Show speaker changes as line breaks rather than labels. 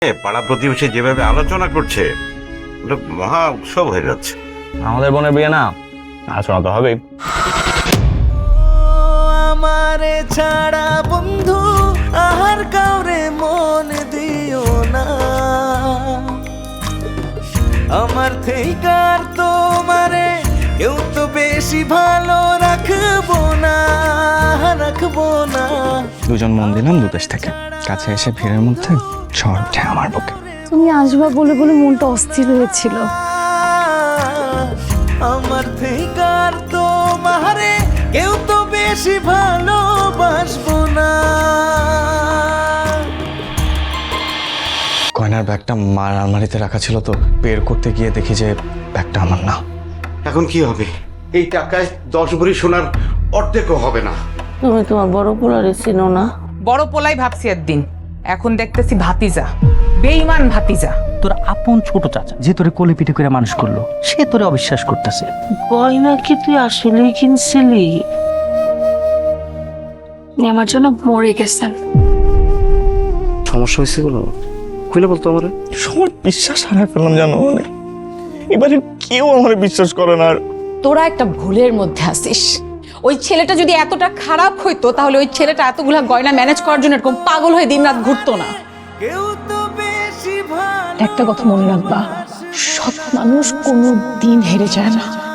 পাড়া প্রতিবেশী যেভাবে আলোচনা করছে ওটা মহা উৎসব হয়ে যাচ্ছে।
আমাদের বোনের বিয়ে না, আলোচনা তো হবেই।
আমারে ছাড়া বন্ধু আর কাউরে মন দিও না, আমার থেইকার তোমারে কেউ তো বেশি ভালো রাখবো না, রাখবো না।
দুজন মন দিলাম দুদেশ থেকে, কাছে এসে ভিড়ের মধ্যে ঝড় ওঠে আমার বুকে।
তুমি আসবা বলে বলে মনটা অস্থির হয়েছিল।
আমার থেইকার তোমারে কেউ তো বেশি ভালোবাসবো না।
গয়নার ব্যাগটা মার আলমারিতে রাখা ছিল, তো বের করতে গিয়ে দেখি যে ব্যাগটা আমার না।
এখন কি হবে? এই টাকায় 10 ভরি সোনার অর্ধেকও হবে না।
তুমি তোমার বড় পোলারে চিনো না?
বড় পোলাই ভাবছি একদিন, এখন দেখতেছি ভাতিজা, বেঈমান ভাতিজা।
তোর আপন ছোট চাচা যে তোরে কোলে পিঠে করে মানুষ করলো, সে তোরে অবিশ্বাস করতেছে।
গয়না কি তুই আসলেই কিনছিলি?
আপনি আমার জন্য মরে গেছেন।
সমস্যা হয়েছে বলো, খুলে বলতো আমার। সবার বিশ্বাস হারাই ফেললাম জানো, এবারে কেউ আমার বিশ্বাস করে না। আর
তোরা একটা ভুলের মধ্যে আছিস। ওই ছেলেটা যদি এতটা খারাপ হইতো তাহলে ওই ছেলেটা এতগুলা গয়না ম্যানেজ করার জন্য এরকম পাগল হয়ে দিনরাত ঘুরতো না।
কেউ তো বেশি ভালো
একটা কথা মনে রাখবা, সৎ মানুষ কোনো দিন হেরে যায় না।